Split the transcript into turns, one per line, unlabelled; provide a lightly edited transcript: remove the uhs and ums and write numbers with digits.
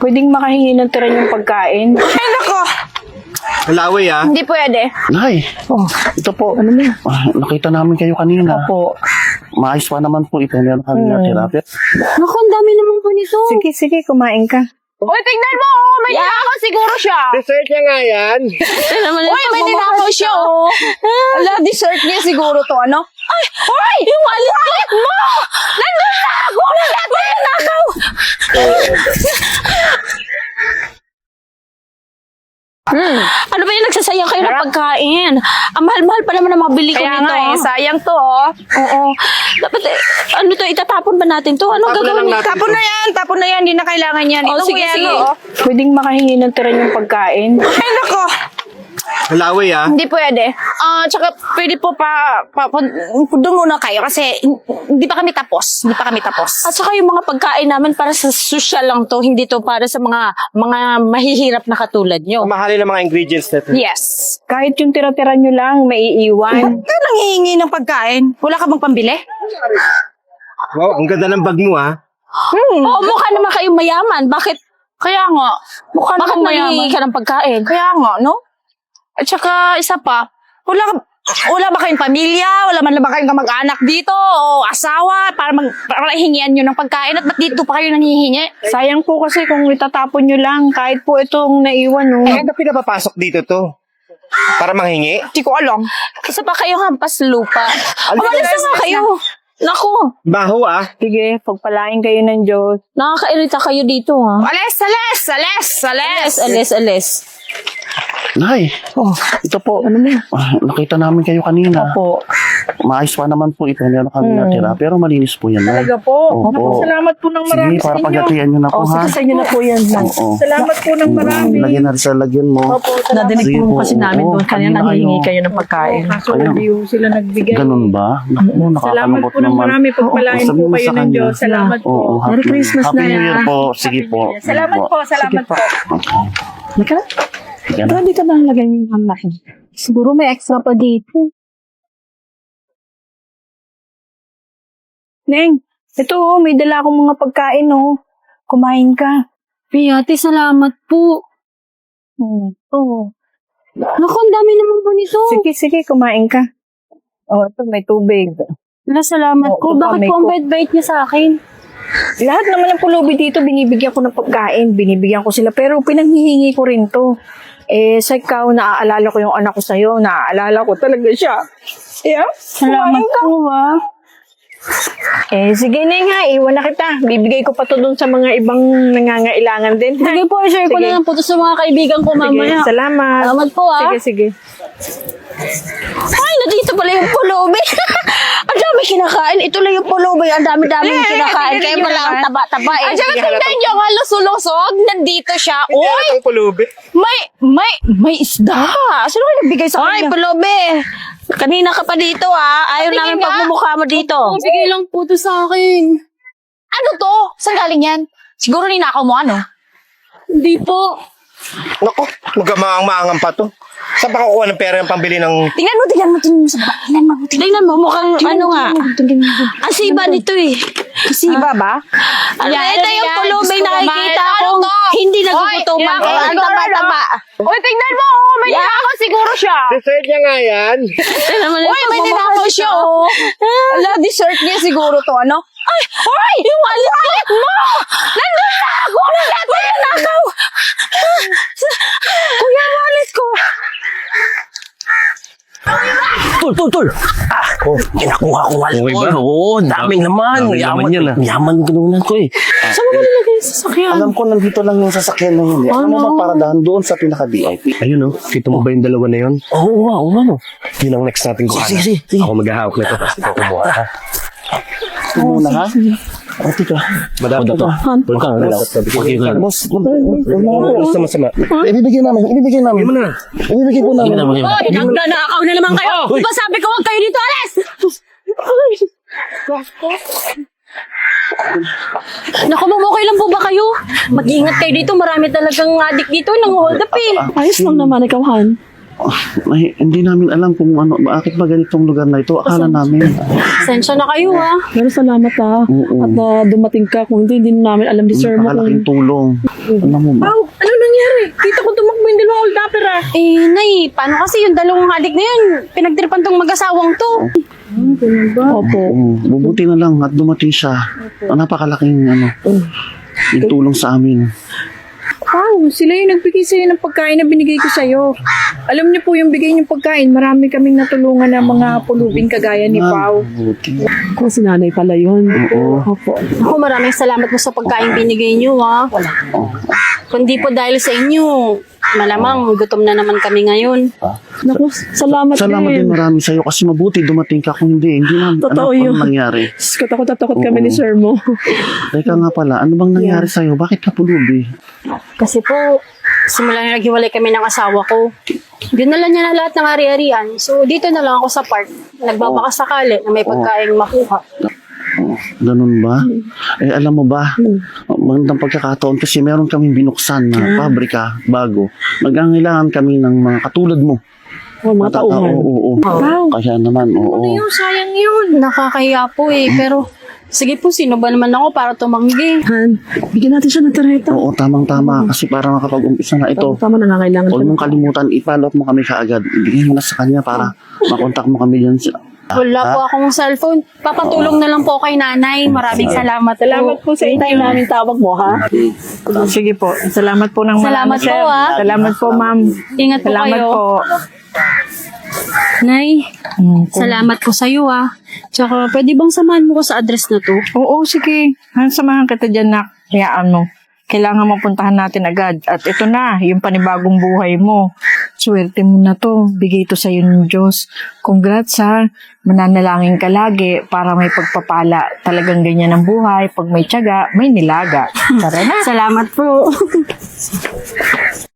Pwedeng makahingi ng tira yung pagkain.
Ay, nako!
Malaway ah.
Hindi pwede.
Nay,
Oh,
ito po.
ano na?
Nakita namin kayo kanina.
Opo.
Maayos pa naman po ito. Meron kami natira.
Naku, ang dami naman po nito.
Sige, kumain ka.
Uy, tingnan mo! Oh, may ninakaw siguro siya.
Dessert niya nga yan.
Uy, may ninakaw siya, oh. Ala, dessert niya siguro to, ano? Ay, yung alit mo! Nandun na! Kunin natin yung nakaw! Ano ba yung nagsasayang kayo ng pagkain? Ang mahal-mahal pa naman ang mabili ko
Kaya
nito.
nga eh, sayang to oh.
Oo. Dapat ano to, itatapon ba natin to? Ano gagawin natin?
Tapon na yan, hindi na kailangan yan.
Oh,
Ito
sige,
kuya,
sige.
ano, oh. Pwedeng makahingi ng tira yung pagkain.
Ay, nako!
Malaway ah.
Hindi pwede. Tsaka pwede po doon muna kayo kasi hindi pa kami tapos. Hindi pa kami tapos. At saka yung mga pagkain namin para sa social lang to, hindi to para sa mga mahihirap na katulad nyo.
Mahalin ang mga ingredients nito.
Yes.
Kahit yung tira-tira nyo lang, maiiwan.
Ka nanghihingi ng pagkain? Wala ka bang pambili?
Wow, ang ganda ng bag mo ah.
Oo, mukha naman kayong mayaman. Bakit? Kaya nga. Mukha
naman mayaman.
nanghihingi ka ng pagkain? Kaya nga, no? At saka, isa pa, wala ba kayong pamilya? Wala man ba kayong kamag-anak dito? O asawa? Para hingian nyo ng pagkain? At ba't dito pa kayo nanghihingi?
Sayang po kasi kung itatapon nyo lang, kahit po itong naiwan oh.
Eh, ano pinapapasok dito to? Para manghingi?
Hindi ko alam. Isa pa kayo hampas lupa. Umalis na nga kayo. Naku,
Baho ah.
Sige, pagpalain kayo ng Diyos.
nakakairita kayo dito, ha? Alis.
Nay, ito po. Nakita namin kayo kanina.
Opo.
Maayos pa naman po ito. Meron kami natira. Pero malinis po yan, Nay.
Talaga po.
Opo.
Naku, salamat po ng marami
Sige,
sa
para
inyo.
pagatian nyo na po,
Oh,
ha?
sige, sa inyo na po yan.
Oo.
Salamat po ng marami.
Lagyan na sa lagyan mo.
Opo, salamat.
Nadinig
Sige
po
po,
kasi namin
oo.
doon kanina
Kanina
nanghihingi
kayo.
kayo ng pagkain.
Kaso hindi po sila nagbigay.
Ganun ba? Naku,
Salamat
nakakalungkot
po ng
naman.
marami. Pagpalain
Oo,
po
sabihin mo
kayo
sa
ng
kanya.
Diyos. Salamat po.
Oo,
Merry Christmas
Happy
na
New Year
yan.
po. Sige po.
Salamat po. Salamat po.
Halika na. Ito, dito na lagay yung anak. Siguro may extra pa dito.
Neng, ito oh, may dala akong mga pagkain oh. Kumain ka.
Ate, salamat po.
Oo.
Naku, ang dami naman po nito.
Sige, kumain ka. Oh, ito may tubig.
Salamat
Oo,
po.
baka
Bakit
may
po ang
cook.
bait-bait niya sa akin?
Lahat naman ng pulubi dito, binibigyan ko ng pagkain. Binibigyan ko sila. Pero pinanghihingi ko rin to. Eh, sa ikaw, naaalala ko yung anak ko sa'yo. Naaalala ko talaga siya. Yeah?
Salamat po, ha.
Eh, sige na nga, iwan na kita. Bibigay ko pa to dun sa mga ibang nangangailangan din. ha?
Sige po, share ko
Sige.
na lang po to sa mga kaibigan ko mamaya.
Sige, salamat.
Salamat po, ha.
Sige.
Ay, nandito pala yung pulubi. Ang dami kinakain. Ito lang yung pulubi. Ang dami-dami kinakain. Kaya pala ang taba-taba eh. At saka tingnan nyo nga lusulosog. Nandito siya. Uy!
Ang pulubi.
May isda. Sino kayo nagbigay sa kanya? Ay, pulubi. Kanina ka pa dito, ha. Ayaw namin pagmumukha mo dito.
Bigay lang po to sa akin.
Ano to? Saan galing yan? Siguro ninakaw mo, ano?
Hindi po.
Naku, magamaang-maangang pa to. Saan ba kukuha ng pera yung pambili ng...
Tingnan mo sa baba. Tingnan mo, mukhang ano nga. Ang siba nito eh.
Siba ba?
Ito yung pulubi nakikita ko. Hindi nagugutuman. Ang taba-taba.
Uy, tingnan mo! Oh, may ninakaw siguro siya.
Dessert niya nga yan.
Uy, may ninakaw siya, oh. Ala, dessert niya siguro to, ano? Ay, yung alit mo! Nandun na! Kunin natin yung nakaw! Kuya, yung alit ko!
Tol! Kinakuha ko wallet
Okay
ko.
ba?
Oo, daming naman.
Daming naman yan, ah.
Yaman ginunan ko eh.
Saan mo nilagay sa sasakyan?
Alam ko, nandito lang yung sasakyan na yun. Ano ba paradahan doon sa pinaka-VIP?
Ayun oh, kita mo ba yung dalawa na yun?
Oo, ano?
Yun ang next natin kuhanan.
Sige.
Ako maghahawak nito, tapos ikaw kumuha. ha?
Ito muna, ha? O, tika.
Madami
Ito. Huwag kang relax. Okay, good.
Boss,
Basta masama.
ibibigay namin.
Yun mo na.
Ibibigay po namin.
Nanakaw na naman kayo! Di ba sabi ko huwag kayo dito, alis! Naku, okay lang po ba kayo? Mag-ingat kayo dito. Marami talagang adik dito. Nang-hold up eh.
Ayos lang naman ikaw, Han.
Hindi namin alam kung ano, bakit ba ganitong lugar na ito. Akala namin.
Sensya na kayo
Pero salamat ha.
Oo.
At dumating ka. Kung hindi namin alam ni Sir mo
Napakalaking
kung...
tulong. Alam mo ba?
Ano nangyari? Kita ko tumakbo yung dalawang old dapper ah.
Eh, Nay, paano kasi yung dalawang adik na yun? Pinagtripan tong mag-asawang to.
Opo.
Bubuti na lang at dumating siya. Napakalaking yung tulong sa amin.
Wow, sila yung nagbigay sa'yo ng pagkain na binigay ko sa'yo. Alam niyo po yung bigay niyong pagkain, marami kaming natulungan ng mga pulubing kagaya ni Pao.
Buti.
Kung si nanay pala yun.
Oo.
Opo.
Ako, maraming salamat po sa pagkain binigay niyo, ha. Kundi po dahil sa inyo, malamang gutom na naman kami ngayon.
Naku, salamat
Salamat din marami sa'yo kasi mabuti dumating ka. Kung hindi namin
Totoo
alam
yun.
kung nangyari.
Takot na takot kami ni Sir mo.
Teka nga pala, ano bang nangyari sa'yo? Bakit ka pulubi?
Kasi po, simula na naghiwalay kami ng asawa ko, dinala niya na lahat ng ari-arian. So, dito na lang ako sa park. Nagbabaka sakali na may pagkain makuha.
Ganun ba? Alam mo ba, magandang pagkakataon kasi meron kaming binuksan na pabrika bago. Magangailangan kami ng mga katulad mo.
Oh, mga tauhan.
Oo. Kaya naman, oo.
Yung sayang yun.
Nakakahiya po pero sige po, sino ba naman ako para tumanggi?
Han, bigyan natin siya ng tarjeta.
Oo, tamang-tama. Kasi para makapag-umpisa na ito,
Tama, nangangailangan
huwag
siya.
mong kalimutan, i-follow up mo kami kaagad. Ibigay mo na sa kanya para makontak mo kami dyan.
Wala po akong cellphone. Papatulong na lang po kay nanay. Maraming salamat.
Salamat po sa
Hintayin
inyo.
namin tawag mo, ha?
Sige po. Salamat po ng
Salamat
marami, sir.
po, ah.
Salamat po, ma'am.
Ingat po
Salamat
kayo.
po.
Nay, salamat po sa'yo Tsaka pwede bang samahan mo ko sa address na to?
Oo, sige. Samahan kita dyan, nak. Hayaan mo. Kailangan mapuntahan natin agad. At ito na, yung panibagong buhay mo. Swerte mo na to. Bigay to sa'yo ng Diyos. Congrats ha. Mananalangin ka lagi para may pagpapala. Talagang ganyan ang buhay. Pag may tiyaga, may nilaga. Tara na.
Salamat po.